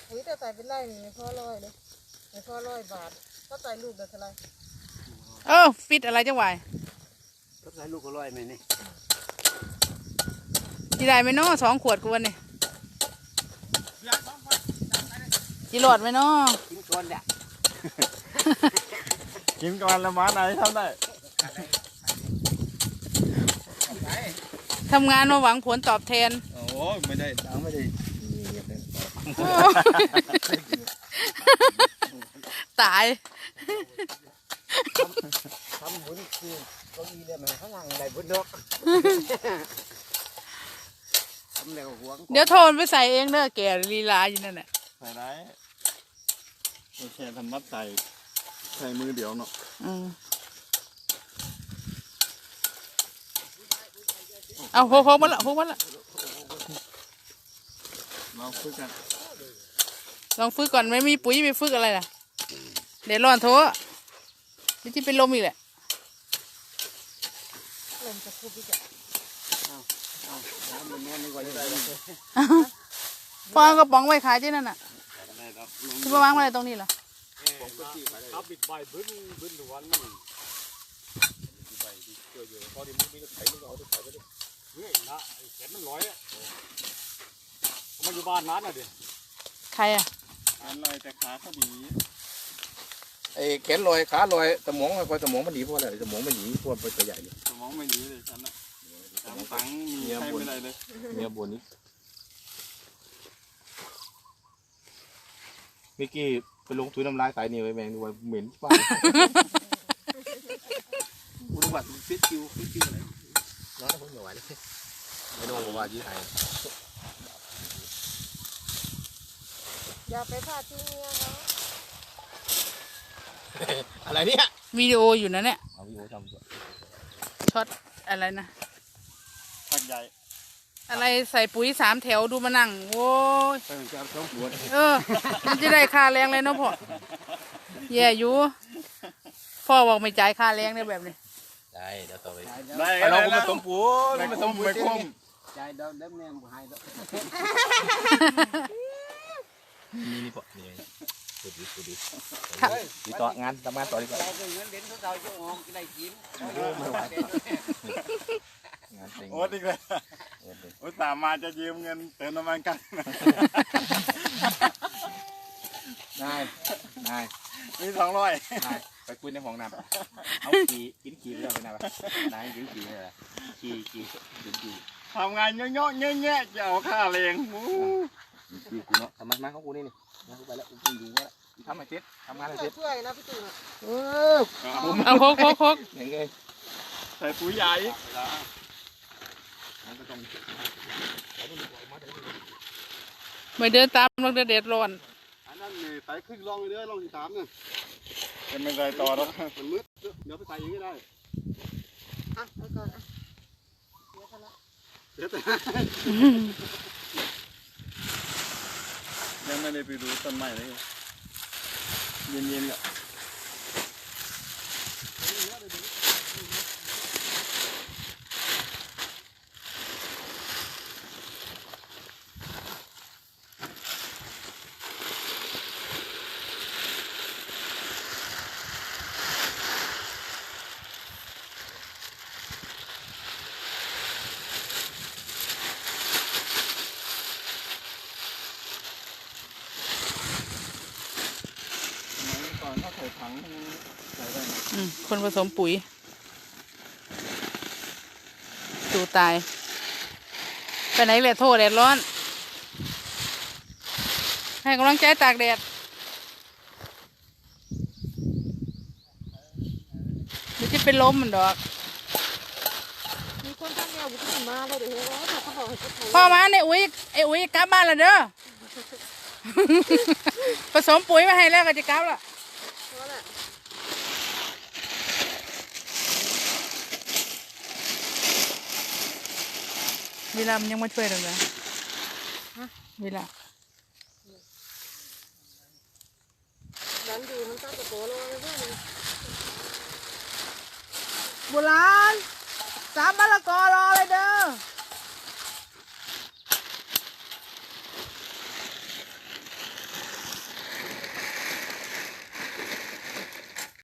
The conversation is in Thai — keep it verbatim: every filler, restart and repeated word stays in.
อุ้ยแต่ใส่เป็นไรนี่ไม่พอร้อยเลยไม่พอร้อยบาทก็ใส่ลูกเดือดเท่าไรเออฟิตอะไรจังหวะก็ใส่ลูกก็ร้อยไหมนี่จีได้ไหมเนาะสองขวดกวนนี่จีหลอดไหมเนาะกินก่อนเด้อกินก่อนละมาไหนทำได้ทำงานมาหวังผลตอบแทนโอ้ไม่ได้ไม่ได้ตายทำบุญคือก็มีเลยมันข้างหลังอะไรบุญดอกทำแล้วหวงเดี๋ยวโทนไปใส่เองเด้อแกลีลาอยู่นั่นแหละใส่ได้โอเคทำมัดใส่ใส่มือเดียวเนาะอืมเอาโคกมันละโคกมันละลองฝึกกันลองฝึกก่อนไม่มีปุ๋ยไปฝึกอะไรล่ะเดี๋ยวร้อนโถนี่ที่เป็นลมอีกแหละลมจะคุบอีกอ่ะน้ำมันนอนดีกว่าจะได้ฟองกระป๋องไว้ขายที่นั่นน่ะที่ประมาณอะไรตรงนี้เหรอครับบิดใบบึ้นบึ้นหรือวันนี่ใบดีเกลือเยอะพอดีมันมีตะไคร้มันก็เอาตะไคร้ไปด้วยเฮ้ยนะไอ้แขนมันลอยอ่ะมันอยู่บ้านนั้นน่ะดิใครอ่ะอันลอยแต่ขาเขาดีไอ้แขนลอยขาลอยสมองพอสมองมันหนีเพราะอะไรสมองมันหนีเพราะมันตัวใหญ่สมองไม่หนีเลยฉันน่ะสมองตังมีใครไม่ได้เลยเมียบนนี้เมื่อกี้ไปลงทุนน้ำลายสายนี่ไว้แมงดูว่าเหม็นป้าอุดมบัติฟิตคิวฟิตคิวอะไรน้องคนเหนียวไหวเลยไม่โดนบอกว่ายี่ไทยอย่าไปพลาดที่เมียเขาอะไรเนี่ยวิดีโออยู่นะเนี่ยเอาวิดีโอทำช็อตอะไรนะทักใหญ่อะไรใส่ปุ๋ยสามแถวดูมานั่งโว้ยเออมันจะได้ค่าแรงเลยเนาะพ่อแย่อยู่พ่อบอกไม่จ่ายค่าแรงเนี่ยแบบนี้ได้เดี๋ยวต่อไปได้เราไม่ต้มปูไม่ต้มไม่คุ้มจ่ายเดิมเดิมเนี่ยบุหายแล้วนี่นี่ปะนี่ดูดิดูดิดีต่องานทำงานต่อดีกว่าเงินเดือนเขาเราจะออกได้กินโอ้ดีเลยโอ้สามมาจะยืมเงินเติมน้ำมันกันได้ได้มีสองร้อยไปคุยในห้องน้ำเอาขี่กินขี่เรื่องไปนะวะนายกินขี่เลยขี่ขี่กินขี่ทำงานเยอะๆเงี้ยๆจะเอาค่าแรงมูขี่กูเนาะทำไมมาของกูนี่นี่มากูไปแล้วกูอยู่แล้วทำมาเจ็ดทำงานอะไรเจ็ดช่วยนะพี่ตู่เออเอาโคกโคกโคกยังไงใส่ปุ๋ยใหญ่ไม่เดินตามลงเด็ดร้อนอันนั้นเนี่ยใส่ครึ่งลองเลยเด้อลองที่สามเนี่ยจะไม่ใส่ต่อแล้วมันมืดเดี๋ยวไปใส่อย่างนี้ได้อ่ะไปก่อนอ่ะเดี๋ยวกันละเดี๋ยวยังไม่ได้ไปดูต้นไม้เลยเย็นๆอ่ะถ้าใส่ถังใส่ได้นะคนผสมปุ๋ยตูตายไปไหนเลยโทษแดดร้อนให้กำลังใจตากแดดเดี๋ยวจะเป็นลมมันดอกมีคนทำแนวบุกขึ้นมาเลยเดี๋ยวเขาบอกให้เขาพ่อมาเนี่ยอุ้ยไอ้อุ้ยกลับบ้านแล้วเด้อผสมปุ๋ยมาให้แล้วก็จะกลับละเวลามันยังมาช่วยเราเลยเวลาดันดูมันตั้งแต่โตแล้วเลยเพื่อนโบราณสามมะละกอรอเลยเด้อ